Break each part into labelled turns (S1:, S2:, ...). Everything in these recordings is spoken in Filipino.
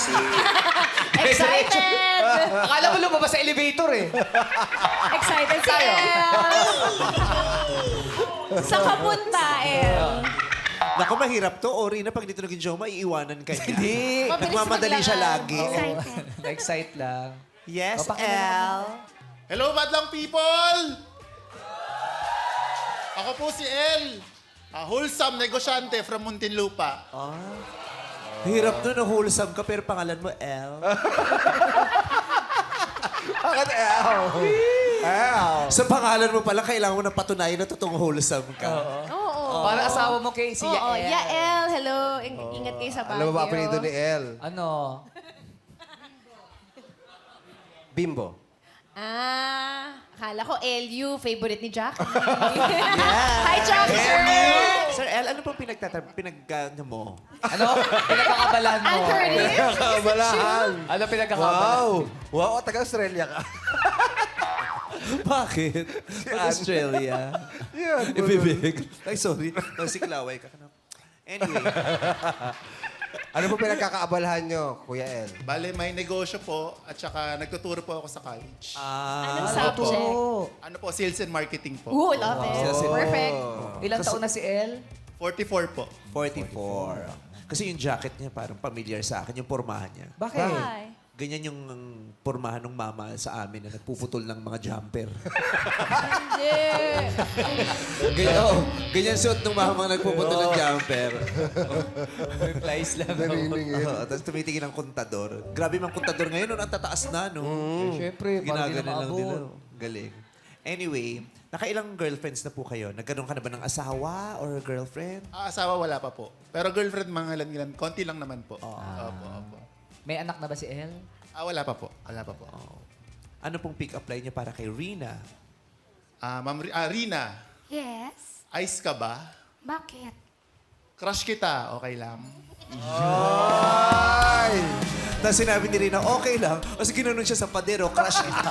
S1: kasi.
S2: Excited!
S3: Akala mo lumabas sa elevator eh.
S2: Excited si El. Sa kapunta, El.
S1: Naku, mahirap to. Ori na pag dito naging Joma, iiwanan ka niya.
S3: Hindi.
S1: Nagmamadali siya lagi.
S2: Excited.
S3: Na-excite lang.
S1: Yes,
S3: O, pakilala
S1: El.
S4: Hello, madlang people! Ako po si El. Wholesome negosyante from Muntinlupa.
S1: Hirap nun, wholesome ka, pero pangalan mo, El.
S5: Bakit L? L.
S1: Sa pangalan mo pala, kailangan mo na patunayan na totoong wholesome ka.
S2: Oo.
S3: Para asawa mo kay si
S2: Oo,
S3: Yael.
S2: Yael. Hello. Ingat kayo sa Baguio.
S5: Alam mo ba apelido ni L?
S3: Ano?
S5: Bimbo.
S2: Akala ko LU, favorite ni Jack. Hi, Jack, sir.
S1: Sir El, ano pong mo?
S3: Ano? Pinagkakabalan mo.
S2: Anthony.
S5: Kabalahan.
S3: Ano pinagkakabalan?
S5: Wow. Wow, taga-Australia ka.
S1: Bakit? Australia.
S5: Yan.
S1: Ibibig. Ay, sorry. Si Klaway ka. Anyway.
S5: Ano po pinagkakaabalahan nyo, Kuya L?
S4: Bale, may negosyo po at saka nagtuturo po ako sa college.
S2: Anong subject?
S4: Ano po, sales and marketing po.
S2: Ooh, love it. Perfect.
S3: Ilang taon na si El?
S4: 44 po.
S1: 44. Kasi yung jacket niya parang familiar sa akin, yung pormahan niya.
S3: Bakit?
S2: Hi.
S1: Ganyan yung pormahan ng mama sa amin na nagpuputol ng mga jumper. Ganyan suot ng mama nagpuputol ng jumper.
S3: Replies lang.
S5: Naniningil.
S1: Tapos tumitingin ang kontador. Grabe mang kontador ngayon, ang tataas na, no?
S3: Siyempre, parang di na
S1: Ginaganon lang nila.
S3: maabot.
S1: Galing. Anyway, nakailang girlfriends na po kayo? Nagkaroon ka na ba ng asawa or girlfriend?
S4: Asawa wala pa po. Pero girlfriend, mga ilan, konti lang naman po. Opo.
S3: May anak na ba si El?
S4: Wala pa po. Wala pa po.
S1: Ano pong pick-up line niya para kay Rina?
S4: Ma'am Rina,
S2: Yes.
S4: ice ka ba?
S2: Bakit?
S4: Crush kita, okay lang.
S5: Ay!
S1: Tapos sinabi ni Rina, okay lang. Kasi ginanon siya sa pader, crush kita.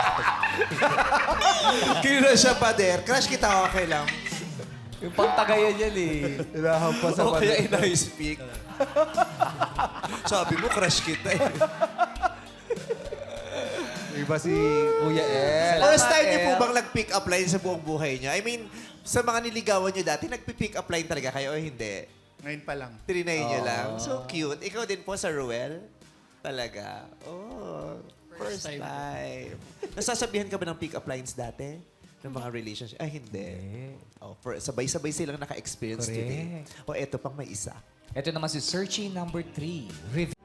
S1: Ginanon siya pader, crush kita, okay lang.
S3: Yung pantagayan yan eh.
S5: Hinahampas sa
S1: O kaya
S5: pader.
S1: in-I-speak. Sabi mo, crush kita eh.
S5: Iba si Kuya L.
S1: First time niyo po
S3: El.
S1: bang nag-pick up line sa buong buhay niyo? I mean, sa mga niligawan niyo dati, nag-pick up line talaga kayo o hindi?
S4: Ngayon pa lang.
S1: Trinay niyo lang. So cute. Ikaw din po sa Ruel? Talaga. Oh, first time. Nasasabihan ka ba ng pick up lines dati? Ng mga relationship? Ay, hindi. Oh, sabay-sabay silang naka-experience today. O eto pang may isa.
S3: Ito naman si Searchy number 3.